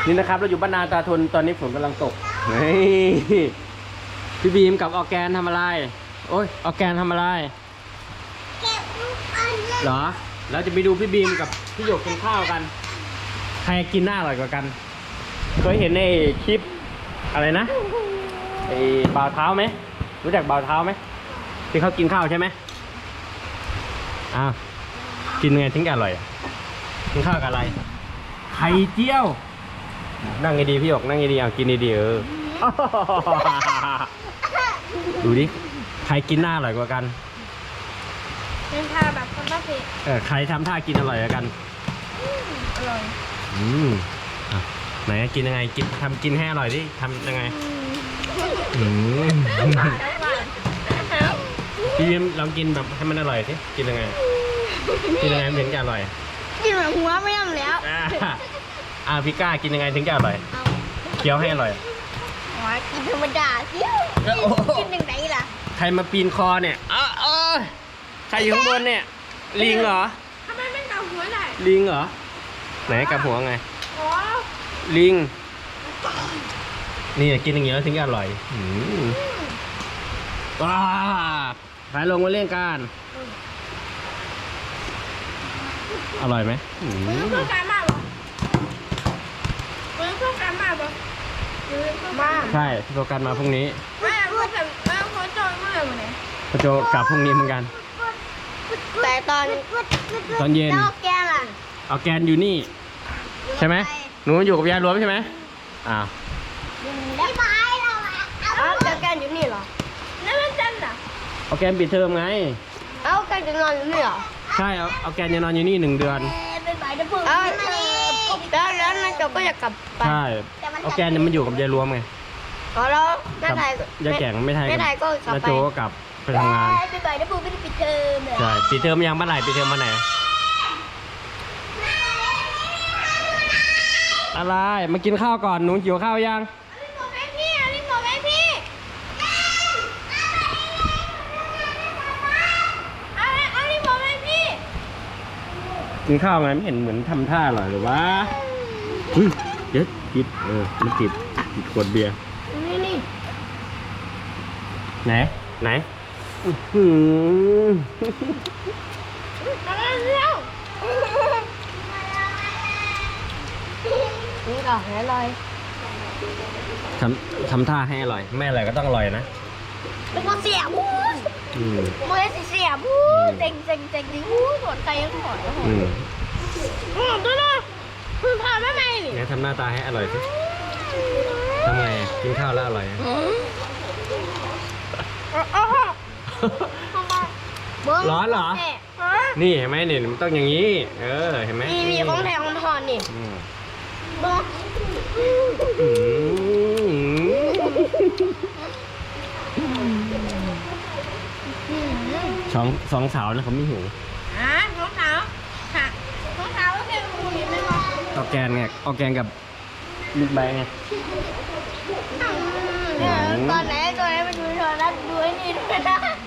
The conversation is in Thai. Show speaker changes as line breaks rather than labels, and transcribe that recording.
นี่นะครับเราอยู่บ้านนาตาทนตอนนี้ฝนกำลังตกพี่บีมกับออร์แกนทำอะไรโอ้ยออร์แกนทำอะไรเหรอเราจะไปดูพี่บีมกับพี่หยกกินข้าวกันใครกินหน้าอร่อยกว่ากันเคยเห็นในคลิปอะไรนะไอ้บ่าวเท้าไหมรู้จักบ่าวเท้าไหมที่เขากินข้าวใช่ไหมอ้าวกินไงถึงจะอร่อยกินข้าวกับอะไรไข่เจียวนั่งดีๆพี่หยกนั่งดีๆเอากินดีๆดูดิใครกินหน้าอร่อยกว่ากัน
เป็นท่าแบบคนละเพจ
ใครทำท่ากินอร่อยกว่ากัน
อร่อย
ไหนกินยังไงกินให้อร่อยดิทำยังไงพี่ยิ้มลองกินแบบให้มันอร่อยสิกินยังไงถึงจะอร่อย
กินแบบหัวไม่ยอมแล้ว
พี่ก้ากินยังไงถึงจะอร่อยเคี้ยวให้อร่อย
กินธรรมดาสิกินยังไงล่ะ
ใครมาปีนคอเนี่ยใครอยู่ข้างบนเนี่ยลิงเหรอ
ทำไมไม่กับหัวได้
ลิงเหรอไหนกับหัวไงลิงนี่กินอย่างเงี้ยถึงจะอร่อยว้าไปลงมาเล่นกันอร่อยไหม
เป็นเพื่อนกันมากหรอเป็นเพื่อนกันมากหรอ
ใช่โปรกันมาพรุ่งนี้
ไม่พูดแต่เขาจอยเมื่อวันไหน
เขาจะกลับพรุ่งนี้เหมือนกัน
แต่ต
อนเย็น
เอาแกนล่ะ
เอาแกนอยู่นี่ใช่ไหมหนูอยู่กับยายรวมใช่ไหม
แล้วไปเราเอาแกนอยู่นี่เหรอแล้วมันจันอ่ะ
เอาแกนปิดเทอมไง
เอาแกนจะนอนอยู่นี่เหรอ
ใช่เอาแกนจะนอนอยู่นี่1 เดือน
แล้วนายจบก็อยากกลับไป
ใช่เอาแกนเนี่ยมันอยู่กับยายรวมไง
แล้วน้าไทย
ยายแก่งไม่ไทย
ก็กลับไป
น้าโจก็กลับไปทำงาน
ไปบ่ายน้าปูไม่ได้ปิดเทอม
ใช่ปิดเทอมยังเมื่อไหร่ปิดเทอมเมื่อไหร่อะไรมากินข้าวก่อนหนูหิวข้าวยังกินข้าวไงไม่เห็นเหมือนทำท่าอร่อยหรือวะเดี๋ยวติดมันติดขวดเบียร์ไหน
นี่ก่อนให้อร่อย
ทำท่าให้อร่อยไม่อร่อยก็ต้องอร่อยนะ
เป็นคนเสียบู๊มือเสียบู๊เจ๋งบู๊สนใจยังหมดด้วยนะคุณพาแม่ไหม
เนี่ยทำหน้าตาให้อร่อยสิทำไงกินข้าวแล้วอร่อยร้อนเหรอนี่เห็นไหมเนี่ยมันต้องอย่างนี้เห็นไหม
มีของแถมของทอนนี่
สองสาวนะเขาไม่หิว
สองสาวก็แค่หูเห็นไหมวะ
ออร์แกนไงออร์แกนกับลูกใบไง
ตอนไหนไปดูโทรทัศน์ดูไอ้นี่ด้วยนะ